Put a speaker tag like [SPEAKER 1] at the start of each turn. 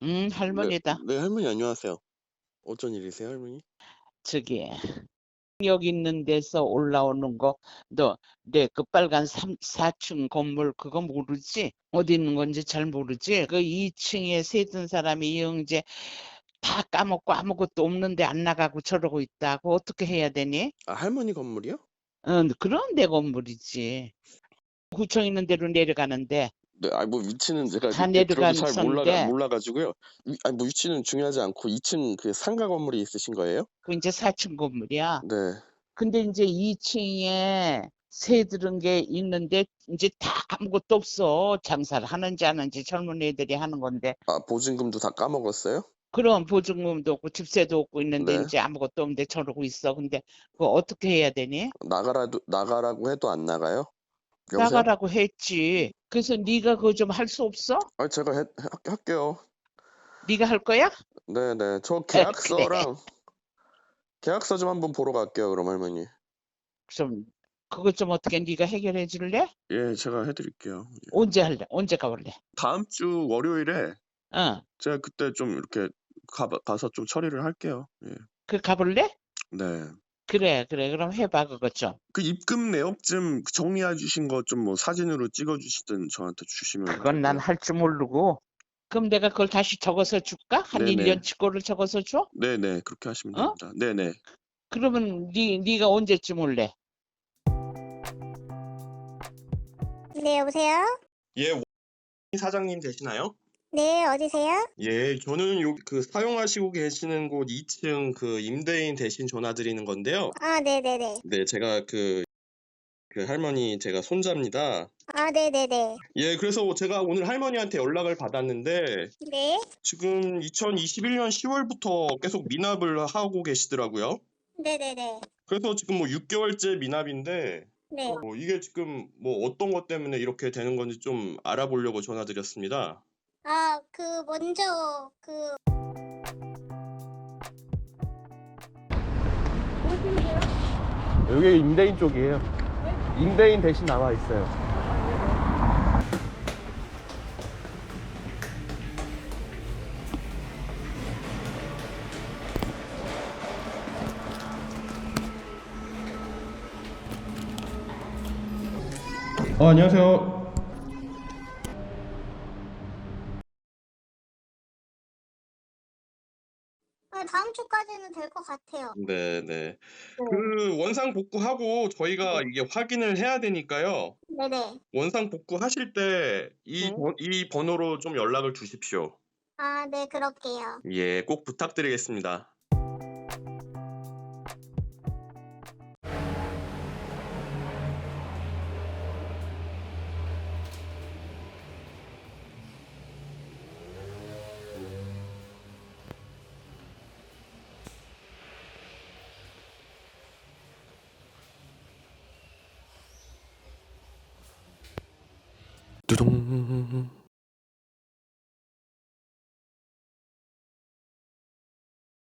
[SPEAKER 1] 네,
[SPEAKER 2] 할머니다.
[SPEAKER 1] 네, 할머니 안녕하세요. 어쩐 일이세요, 할머니?
[SPEAKER 2] 저기 여기 있는 데서 올라오는 거, 너 내 그 빨간 4층 건물 그거 모르지? 어디 있는 건지 잘 모르지? 그 2층에 세든 사람이 이영재 다 까먹고 아무것도 없는데 안 나가고 저러고 있다고. 어떻게 해야 되니?
[SPEAKER 1] 아, 할머니 건물이요?
[SPEAKER 2] 그런 데 건물이지. 구청 있는 데로 내려가는데
[SPEAKER 1] 네, 뭐 위치는 제가
[SPEAKER 2] 다
[SPEAKER 1] 이렇게 들어도 잘
[SPEAKER 2] 내려간선데
[SPEAKER 1] 몰라가지고요. 뭐 위치는 중요하지 않고 2층 그 상가 건물이 있으신 거예요?
[SPEAKER 2] 그 이제 4층 건물이야.
[SPEAKER 1] 네.
[SPEAKER 2] 근데 이제 2층에 새 들은 게 있는데 이제 다 아무것도 없어. 장사를 하는지 안 하는지 젊은 애들이 하는 건데.
[SPEAKER 1] 아, 보증금도 다 까먹었어요?
[SPEAKER 2] 그럼 보증금도 없고 집세도 없고 있는데
[SPEAKER 1] 네.
[SPEAKER 2] 이제 아무것도 없는데 저러고 있어. 근데 그거 어떻게 해야 되니?
[SPEAKER 1] 나가라고 해도 안 나가요? 여보세요?
[SPEAKER 2] 나가라고 했지. 그래서 네가 그거 좀 할 수 없어?
[SPEAKER 1] 아, 제가 할게요.
[SPEAKER 2] 네가 할 거야?
[SPEAKER 1] 네네. 저
[SPEAKER 2] 그래.
[SPEAKER 1] 계약서 좀 한번 보러 갈게요, 그럼 할머니.
[SPEAKER 2] 좀 그거 좀 어떻게 네가 해결해 줄래?
[SPEAKER 1] 예, 제가 해드릴게요.
[SPEAKER 2] 언제 할래? 언제 가볼래?
[SPEAKER 1] 다음 주 월요일에
[SPEAKER 2] 어,
[SPEAKER 1] 제가 그때 좀 이렇게 가서 좀 처리를 할게요. 예.
[SPEAKER 2] 그 가볼래?
[SPEAKER 1] 네.
[SPEAKER 2] 그래, 그래. 그럼 해봐 그거 좀.
[SPEAKER 1] 그 입금 내역 좀 정리해 주신 거 좀 뭐 사진으로 찍어 주시든 저한테 주시면
[SPEAKER 2] 그건 난
[SPEAKER 1] 될까요?
[SPEAKER 2] 할 줄 모르고. 그럼 내가 그걸 다시 적어서 줄까? 한
[SPEAKER 1] 네네.
[SPEAKER 2] 1년치 거를 적어서 줘?
[SPEAKER 1] 네네. 그렇게 하시면
[SPEAKER 2] 어?
[SPEAKER 1] 됩니다. 네네.
[SPEAKER 2] 그러면 네가 언제쯤 올래?
[SPEAKER 3] 네, 여보세요?
[SPEAKER 1] 예, 원희 사장님 되시나요?
[SPEAKER 3] 네, 어디세요?
[SPEAKER 1] 예, 저는 그 사용하시고 계시는 곳 2층 그 임대인 대신 전화 드리는 건데요.
[SPEAKER 3] 아, 네네네.
[SPEAKER 1] 네, 제가 그 할머니 제가 손자입니다.
[SPEAKER 3] 아, 네네네.
[SPEAKER 1] 예, 그래서 제가 오늘 할머니한테 연락을 받았는데
[SPEAKER 3] 네?
[SPEAKER 1] 지금 2021년 10월부터 계속 미납을 하고 계시더라고요.
[SPEAKER 3] 네네네.
[SPEAKER 1] 그래서 지금 뭐 6개월째 미납인데
[SPEAKER 3] 네.
[SPEAKER 1] 이게 지금 뭐 어떤 것 때문에 이렇게 되는 건지 좀 알아보려고 전화드렸습니다.
[SPEAKER 3] 아, 먼저,
[SPEAKER 4] 여기 임대인 쪽이에요. 임대인 대신 나와 있어요. 안녕하세요.
[SPEAKER 3] 다음 주까지는 될 것 같아요.
[SPEAKER 1] 네네.
[SPEAKER 3] 네.
[SPEAKER 1] 그 원상 복구하고 저희가 이게 확인을 해야 되니까요.
[SPEAKER 3] 네네.
[SPEAKER 1] 원상 복구하실 때
[SPEAKER 3] 네.
[SPEAKER 1] 이 번호로 좀 연락을 주십시오.
[SPEAKER 3] 아, 네, 그럴게요.
[SPEAKER 1] 예, 꼭 부탁드리겠습니다. 두둥.